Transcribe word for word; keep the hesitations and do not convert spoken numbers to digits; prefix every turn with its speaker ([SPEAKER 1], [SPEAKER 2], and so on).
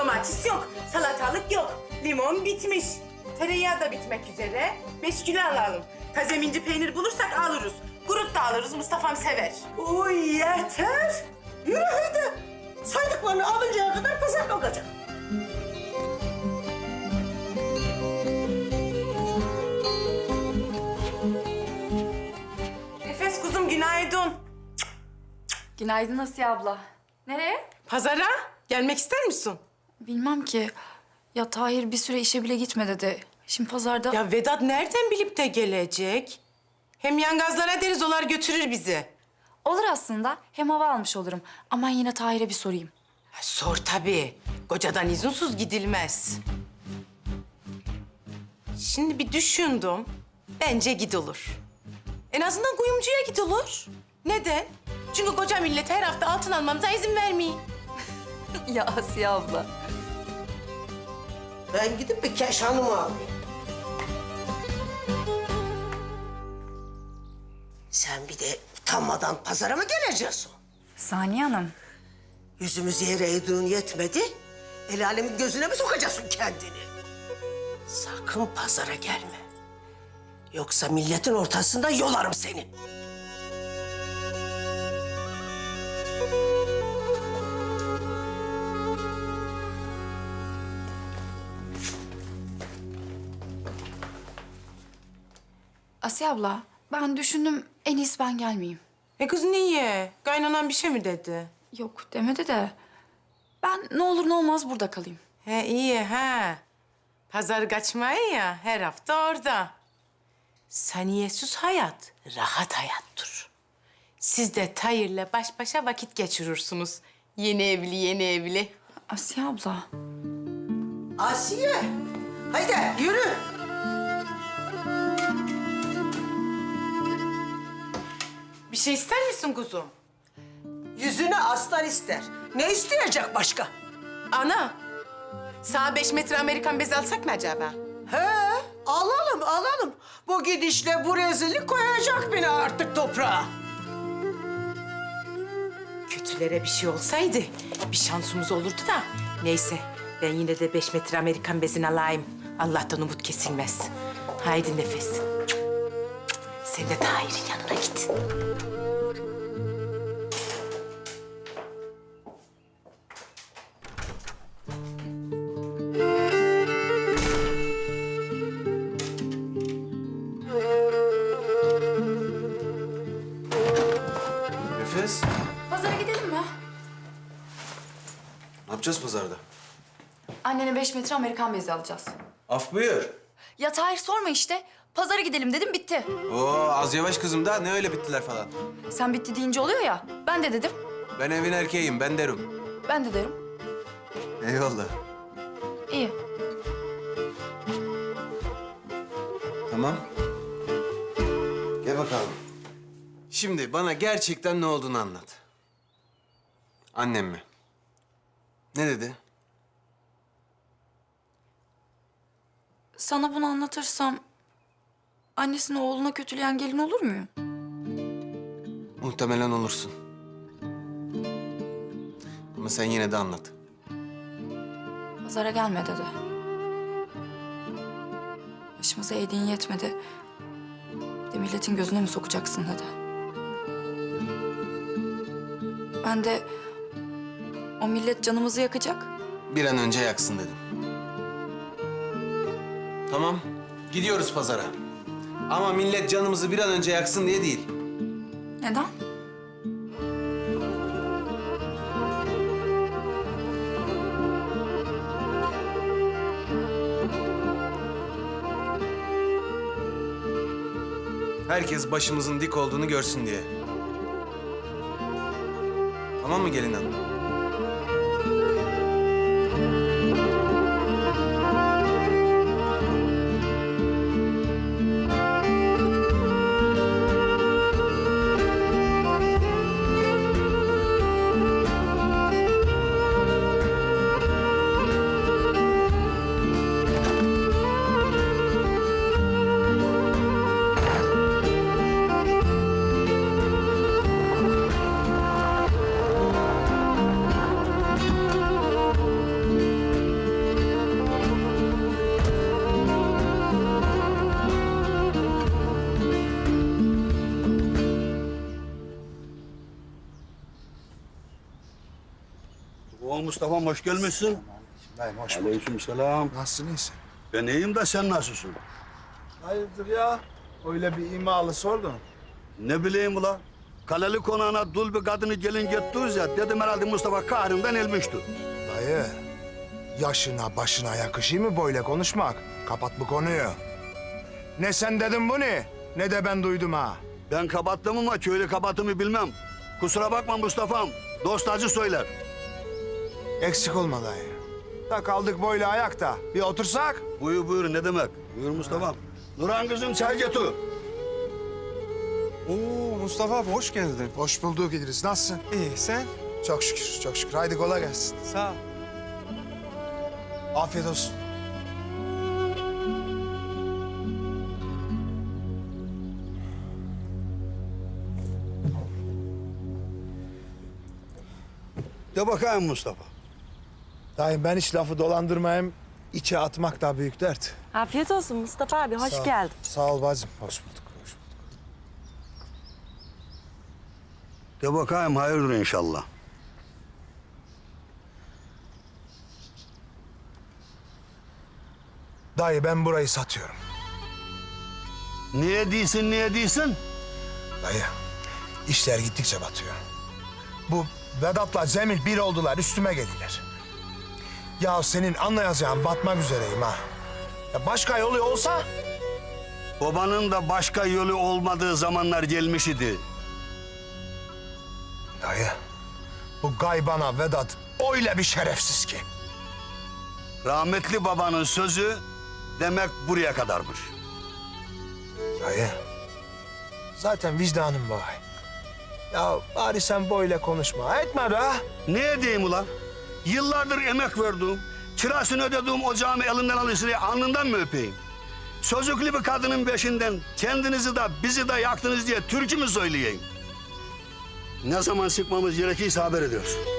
[SPEAKER 1] Domates yok, salatalık yok, limon bitmiş. Tereyağı da bitmek üzere. Beş kilo alalım. Taze minci peynir bulursak alırız. Kurut da alırız, Mustafa'm sever.
[SPEAKER 2] Uy yeter. Yürü hadi. Saydıklarını alıncaya kadar pazar kalkacak.
[SPEAKER 1] Nefes kuzum, günaydın.
[SPEAKER 3] Günaydın Asiye abla. Nereye?
[SPEAKER 1] Pazara gelmek ister misin?
[SPEAKER 3] Bilmem ki. Ya Tahir bir süre işe bile gitme dedi. Şimdi pazarda...
[SPEAKER 1] Ya Vedat nereden bilip de gelecek? Hem yangazlara deriz, olar götürür bizi.
[SPEAKER 3] Olur aslında. Hem hava almış olurum. Ama yine Tahir'e bir sorayım.
[SPEAKER 1] Ha, sor tabii. Kocadan izinsiz gidilmez. Şimdi bir düşündüm. Bence gidilir. En azından kuyumcuya gidilir. Neden? Çünkü koca millet her hafta altın almamıza izin vermiyor.
[SPEAKER 3] Ya Asiye abla.
[SPEAKER 2] Ben gidip bir keşanımı alayım. Sen bir de utanmadan pazara mı geleceksin?
[SPEAKER 3] Saniye Hanım.
[SPEAKER 2] Yüzümüz yere eğdiğin yetmedi. El alemin gözüne mi sokacaksın kendini? Sakın pazara gelme. Yoksa milletin ortasında yolarım seni.
[SPEAKER 3] Asiye abla, ben düşündüm en iyisi ben gelmeyeyim.
[SPEAKER 1] E kız niye? Kaynanan bir şey mi dedi?
[SPEAKER 3] Yok demedi de ben ne olur ne olmaz burada kalayım.
[SPEAKER 1] He iyi ha. Pazar kaçmayı ya, her hafta orada. Saniyesiz hayat, rahat hayattır. Siz de Tahir'le baş başa vakit geçirirsiniz. Yeni evli, yeni evli.
[SPEAKER 3] Asiye abla.
[SPEAKER 2] Asiye, haydi yürü.
[SPEAKER 1] Bir şey ister misin kuzum?
[SPEAKER 2] Yüzüne aslan ister. Ne isteyecek başka?
[SPEAKER 1] Ana, sana beş metre Amerikan bezi alsak mı acaba?
[SPEAKER 2] He, alalım, alalım. Bu gidişle bu rezillik koyacak beni artık toprağa.
[SPEAKER 1] Kötülere bir şey olsaydı bir şansımız olurdu da. Neyse, ben yine de beş metre Amerikan bezini alayım. Allah'tan umut kesilmez. Haydi Nefes. Sen de Tahir'in yanına git.
[SPEAKER 4] Nefes,
[SPEAKER 3] Pazara gidelim mi?
[SPEAKER 4] ne yapacağız pazarda?
[SPEAKER 3] Annene beş metre Amerikan bezi alacağız.
[SPEAKER 4] Af buyur.
[SPEAKER 3] Ya Tahir sorma işte. Pazara gidelim dedim bitti.
[SPEAKER 4] Oo, az yavaş kızım da ne öyle bittiler falan.
[SPEAKER 3] Sen bitti deyince oluyor ya. Ben de dedim.
[SPEAKER 4] Ben evin erkeğiyim, ben derim.
[SPEAKER 3] Ben de derim.
[SPEAKER 4] Eyvallah.
[SPEAKER 3] İyi.
[SPEAKER 4] Tamam. Gel bakalım. Şimdi bana gerçekten ne olduğunu anlat. Annem mi? Ne dedi?
[SPEAKER 3] Sana bunu anlatırsam annesini oğluna kötüleyen gelin olur muyum?
[SPEAKER 4] Muhtemelen olursun. Ama sen yine de anlat.
[SPEAKER 3] Pazara gelme dedi. Başımıza eğdiğin yetmedi. Bir de milletin gözüne mi sokacaksın dedi. Ben de o millet canımızı yakacak.
[SPEAKER 4] Bir an önce yaksın dedim. Tamam, gidiyoruz pazara. Ama millet canımızı bir an önce yaksın diye değil.
[SPEAKER 3] Neden?
[SPEAKER 4] Herkes başımızın dik olduğunu görsün diye. Tamam mı gelin hanım?
[SPEAKER 5] Oo Mustafa hoş gelmişsin.
[SPEAKER 6] Dayım hoş bulduk.
[SPEAKER 5] Aleykümselam.
[SPEAKER 6] Nasılsın, iyisin?
[SPEAKER 5] Ben iyiyim de sen nasılsın?
[SPEAKER 6] Hayırdır ya? Öyle bir imalı sordun.
[SPEAKER 5] Ne bileyim ula. Kaleli konağına dul bir kadını gelin getiriyoruz ya. Dedim herhalde Mustafa kahrından elmişti.
[SPEAKER 6] Dayı, yaşına başına yakışıyor mu böyle konuşmak? Kapat bu konuyu. Ne sen dedin bunu, ne de ben duydum ha.
[SPEAKER 5] Ben kapattım ama köylü kabahatimi bilmem. Kusura bakma Mustafa'm. Dost acı söyler.
[SPEAKER 6] Eksik olma dayı. Da kaldık böyle ayakta. Bir otursak?
[SPEAKER 5] Buyur buyur ne demek? Buyur Mustafa'm. Nurhan kızım çay getir.
[SPEAKER 7] Oo Mustafa abi hoş geldin.
[SPEAKER 6] Hoş bulduk İdris. Nasılsın?
[SPEAKER 7] İyi sen?
[SPEAKER 6] Çok şükür, çok şükür. Haydi kolay gelsin.
[SPEAKER 7] Sağ ol.
[SPEAKER 6] Afiyet olsun.
[SPEAKER 5] De bakayım Mustafa.
[SPEAKER 6] Dayım ben hiç lafı dolandırmayayım. İçe atmak da büyük dert.
[SPEAKER 8] Afiyet olsun Mustafa abi, hoş
[SPEAKER 6] Sağ ol.
[SPEAKER 8] geldin.
[SPEAKER 6] Sağ ol bacım. Hoş bulduk, hoş bulduk.
[SPEAKER 5] De bakayım hayırdır inşallah.
[SPEAKER 6] Dayı ben burayı satıyorum.
[SPEAKER 5] Niye değilsin niye değilsin?
[SPEAKER 6] Dayı, işler gittikçe batıyor. Bu Vedat'la Cemil bir oldular, üstüme geldiler. Ya senin anlayacağın batmak üzereyim ha. Ya başka yolu olsa...
[SPEAKER 5] Babanın da başka yolu olmadığı zamanlar gelmiş idi.
[SPEAKER 6] Dayı, bu gaybana Vedat öyle bir şerefsiz ki.
[SPEAKER 5] Rahmetli babanın sözü demek buraya kadarmış.
[SPEAKER 6] Dayı, zaten vicdanım var. Ya bari sen böyle konuşma, etme be.
[SPEAKER 5] Ne edeyim ulan? Yıllardır emek verdim. Kirasını ödediğim ocağımı elinden alıyorsun diye alnından mı öpeyim? Sözüklü bir kadının peşinden kendinizi de bizi de yaktınız diye türkü mü söyleyeyim? Ne zaman sıkmamız gerekirse haber ediyorsun.